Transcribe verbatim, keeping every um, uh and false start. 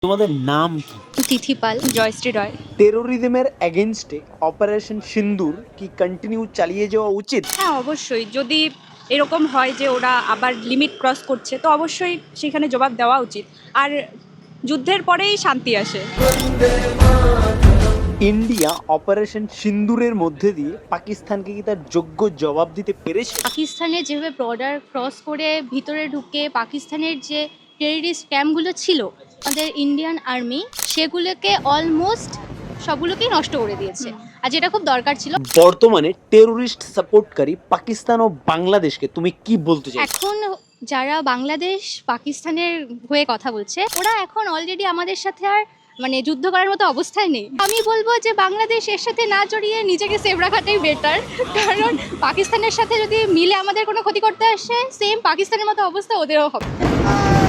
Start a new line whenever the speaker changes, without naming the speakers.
তোমাদের নাম কি?
তিথি পাল, জয়শ্রী রয়।
টেরোরিজমের এগেনস্টে অপারেশন সিন্দুর কি কন্টিনিউ চালিয়ে যাওয়া উচিত?
হ্যাঁ, অবশ্যই। যদি এরকম হয় যে ওরা আবার লিমিট ক্রস করছে, তো অবশ্যই সেখানে জবাব দেওয়া উচিত। আর যুদ্ধের পরেই শান্তি আসে।
ইন্ডিয়া অপারেশন সিন্দুরের মধ্যে দিয়ে পাকিস্তানকে কি তার যোগ্য জবাব দিতে পেরেছে?
পাকিস্তানের যেভাবে বর্ডার ক্রস করে ভিতরে ঢুকে পাকিস্তানের যে টেররিস্ট ক্যাম্পগুলো ছিল আমাদের ইন্ডিয়ান আর্মি, সেগুলোকে অলমোস্ট সবগুলোকেই নষ্ট করে দিয়েছে। আর যেটা খুব দরকার ছিল।
বর্তমানে টেরোরিস্ট সাপোর্টকারী পাকিস্তান ও বাংলাদেশকে তুমি কি বলতে চাও?
এখন যারা বাংলাদেশ পাকিস্তানের হয়ে কথা বলছে, ওরা এখন অলরেডি আমাদের সাথে আর মানে যুদ্ধ করার মতো অবস্থায় নেই। আমি বলবো যে বাংলাদেশ এর সাথে না জড়িয়ে নিজেকে সেভ রাখাটাই বেটার, কারণ পাকিস্তানের সাথে যদি মিলে আমাদের কোনো ক্ষতি করতে আসে, সেম পাকিস্তানের মতো অবস্থা ওদেরও হবে।